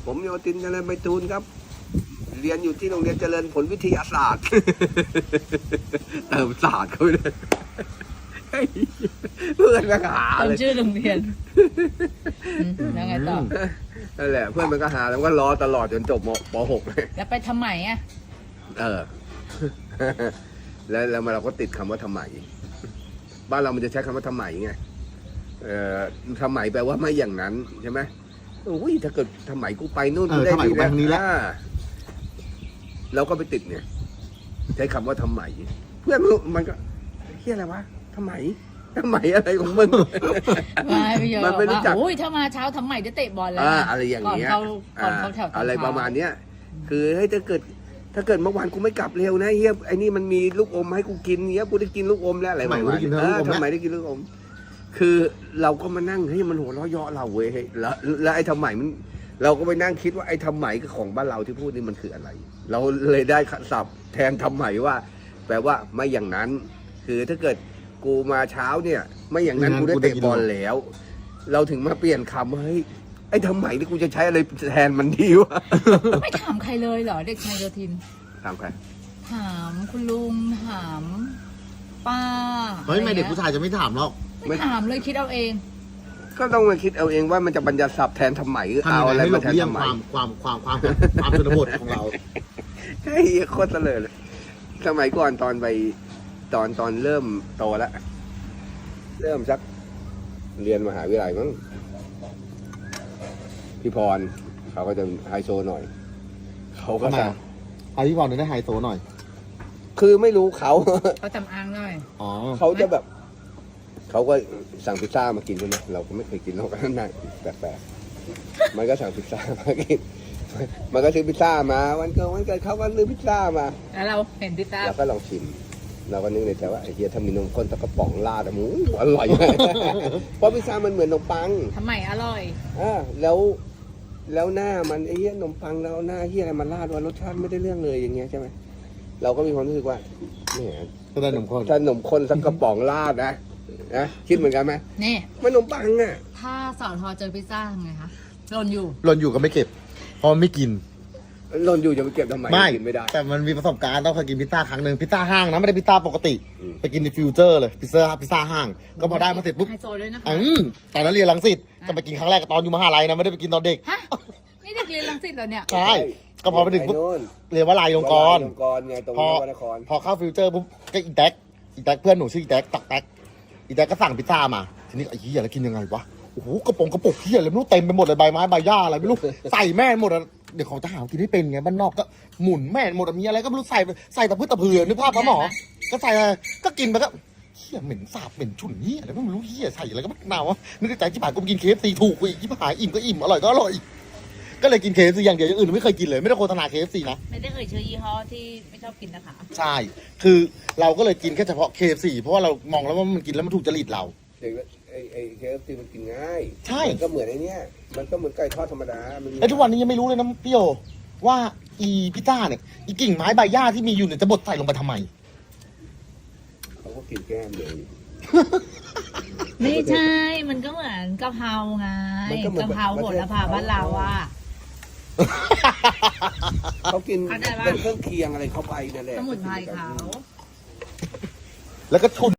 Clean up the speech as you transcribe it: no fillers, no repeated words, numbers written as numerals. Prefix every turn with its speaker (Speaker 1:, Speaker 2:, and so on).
Speaker 1: ผมโยตินเจริญไพฑูรย์ครับเรียนอยู่ที่โรงเรียนเจริญผลวิทยาศาสตร์เติมศาสตร์เข้าไปเลยเพื่อนก็หาเลย
Speaker 2: ชื่อโรงเรียนแล้วไงต่อ
Speaker 1: นั่นแหละเพื่อนมันก็หาแล้วก็รอตลอดจนจบป .6 เลย
Speaker 2: แล้วไปทำไมอ่ะ
Speaker 1: แล้วเราก็ติดคำว่าทำไมบ้านเรามันจะใช้คำว่าทำไมไงทำไมแปลว่าไม่อย่างนั้นใช่ไหมอุ้ยถ้าเกิดทำไมกูไปนู่นได้ดีแล้วเราก็ไปติดเนี่ยใช้คำว่าทำไมเพื่อนมันก็เฮียอะไรวะทำไมอะไรของมึง
Speaker 2: มันไม่รู้จักอุ้ยถ้ามาเช้าทำไมจะเตะบอลแล้ว
Speaker 1: อะไรอย่างเงี้ย
Speaker 2: ก่อนเขาแถว
Speaker 1: อะไรประมาณเนี้ยคือให้ถ้าเกิดเมื่อวานกูไม่กลับเร็วนะเฮียไอ้นี่มันมีลูกอมให้กูกินเฮียกูได้กินลูกอมแล้วอะไรประมาณทำไมได้กินลูกอมคือเราก็มานั่งเฮ้ยมันหัวเราะเยาะเราเว้ยแล้วไอ้ทำไมมันเราก็ไปนั่งคิดว่าไอ้ทำไมของบ้านเราที่พูดนี่มันคืออะไร เราเลยได้ศัพท์แทนทำไมว่าแปลว่าไม่อย่างนั้นคือถ้าเกิดกูมาเช้าเนี่ยไม่อย่างนั้นกูได้เตะบอลแล้วเราถึงมาเปลี่ยนคำเฮ้ยไอ้ทำไมที่กูจะใช้อะไรแทนมันดีวะ
Speaker 2: ไม่ถามใครเลยเหรอเด็กชายโยธิน
Speaker 1: ถามใคร
Speaker 2: ถามคุณลุงถามป้า
Speaker 3: เฮ้ยไม่เด็กผู้ชายจะไม่ถามหรอก
Speaker 2: ไม่ถามเลยคิดเอาเอง
Speaker 1: ก็ต้องมาคิดเอาเองว่ามันจะบรรยัติศัพท์แทนทำไมหรือเอาอะไรมาแทนทำไม
Speaker 3: ความชนบทของเรา
Speaker 1: เฮ้ยโคตรเลยสมัยก่อนตอนไปตอนเริ่มโตแล้วเริ่มสักเรียนมหาวิทยาลัยมั้งพี่พรเขาก็จะไฮโซหน่อยเขาก็จะ
Speaker 3: พี่พรได้ไฮโซหน่อย
Speaker 1: คือไม่รู้เขา
Speaker 2: จำอ้างหน่อย
Speaker 1: เขาจะแบบเขาก็สั่งพิซซ่ามากินใช่ไหมเราก็ไม่เคยกินเราก็นั่งแปลกๆมันก็สั่งพิซซ่ามากินมันก็ซื้อพิซซ่ามาวันเกิดเขาก็ซื้อพิซซ่ามา
Speaker 2: แล้วเราเห็นพิซซ่า
Speaker 1: เราก็ลองชิมเราก็นึกในใจว่าไอ้เฮียถ้ามีนมข้นตะกระป๋องราดหมูอร่อยเพราะพิซซ่ามันเหมือนนมปัง
Speaker 2: ทำไมอร่อย
Speaker 1: แล้วหน้ามันไอ้เฮียนมปังแล้วหน้าเฮียอะไรมันราดว่ารสชาติไม่ได้เรื่องเลยอย่างเงี้ยใช่ไหมเราก็มีความรู้สึกว่าเนี่ยถ้านมข้นสักกระป๋องราดนะคิดเหมือนกันไหม
Speaker 2: นี่
Speaker 1: มันนมปังอ่ะ
Speaker 2: ถ้าสอทอเจอพิซซ่าทำไงคะหล่นอยู่
Speaker 3: ก็ไม่เก็บเพราะไม่กิน
Speaker 1: หล่นอยู่จะไปเก็บทำไมกินไม่ได้
Speaker 3: แต่มันมีประสบการณ์ต้องเคยกินพิซซ่าครั้งหนึ่งพิซซ่าห้างนะไม่ได้พิซซ่าปกติไปกินในฟิวเจอร์เลยพิซซ่าห้างก็พอได้มาเสร็จปุ๊บ
Speaker 2: ไฮโซด้วยนะคะ
Speaker 3: ตอนนั้นเรียนรังสิตจะไปกินครั้งแรกตอนอยู่มหาลัยนะไม่ได้ไปกินตอนเด็ก
Speaker 2: ฮะนี่เด็กเรียนรังสิตเหรอเนี่ย
Speaker 3: ใช่ก็พอไปถึงปุ๊บเรียนวลัยลงกรณ์
Speaker 1: ไงตรงนคร
Speaker 3: พอเข้าฟิวเจอร์ปุ๊บก็อีแท็กเพื่อนหนูชื่ออีแท็กตักแท็กอีแท็กก็สั่งพิซซ่ามาทีนี้ไอ้เหี้ยแล้วกินยังไงวะโอ้โหกระปุกเหี้ยอะไรไม่รู้เต็มไปหมดเลยใบไม้ใบหญ้าอะไรไม่รู้ใส่แม่หมดเดี๋ยวของทหารกินให้เป็นไงบ้านนอกก็หมุนแม่หมดมีอะไรก็ไม่รู้ใส่ตะพื้นตะเพือนึกภาพปะหมอก็ใส่ก็กินไปก็เหี้ยเหม็นสาบเหม็นฉุนเหี้ยอะไรไม่รู้เหี้ยใส่อะไรก็ไม่น่าวะนึกในใจที่ผ่านกูกินKFCถูกกูอีกที่ผ่านอิ่มก็อิ่มอร่อยก็อร่อยก็เลยกินKFCอย่างเดียวอย่างอื่นไม่เคยกินเลยไม่ได้โฆษณาKFCนะ
Speaker 2: ไม่ได้ชื่อยี่ห้อที่ไม่ชอบกินนะคะ
Speaker 3: ใช่คือเราก็เลยกินแค่เฉพาะKFCเพราะว่าเรามองแล้วว่ามันกินแล้วมันถูกจริตเรา
Speaker 1: ไอ้ KFC มันกินง่าย
Speaker 3: ใช่
Speaker 1: ก็เหมือนไอ้นี่มันก็เหมือนไก่ทอดธรรมดา
Speaker 3: ไอ้ทุกวันนี้ยังไม่รู้เลยนะพี่โอว่าอีพิซซ่าเนี่ยอีกิ่งไม้ใบหญ้าที่มีอยู่เนี่ยจะบดใส่ลงไปทำไม
Speaker 1: เขาก็กินแก้มเลย
Speaker 2: ไม่ใช่มันก็เหมือนกะเพราไงกะเพราโหระพาบ้านเราอ่ะ
Speaker 1: เขากินเป็นเครื่องเคียงอะไรเข้าไปนั่นแหละ
Speaker 2: สมุนไพรเขา
Speaker 3: แล้วก็ชุน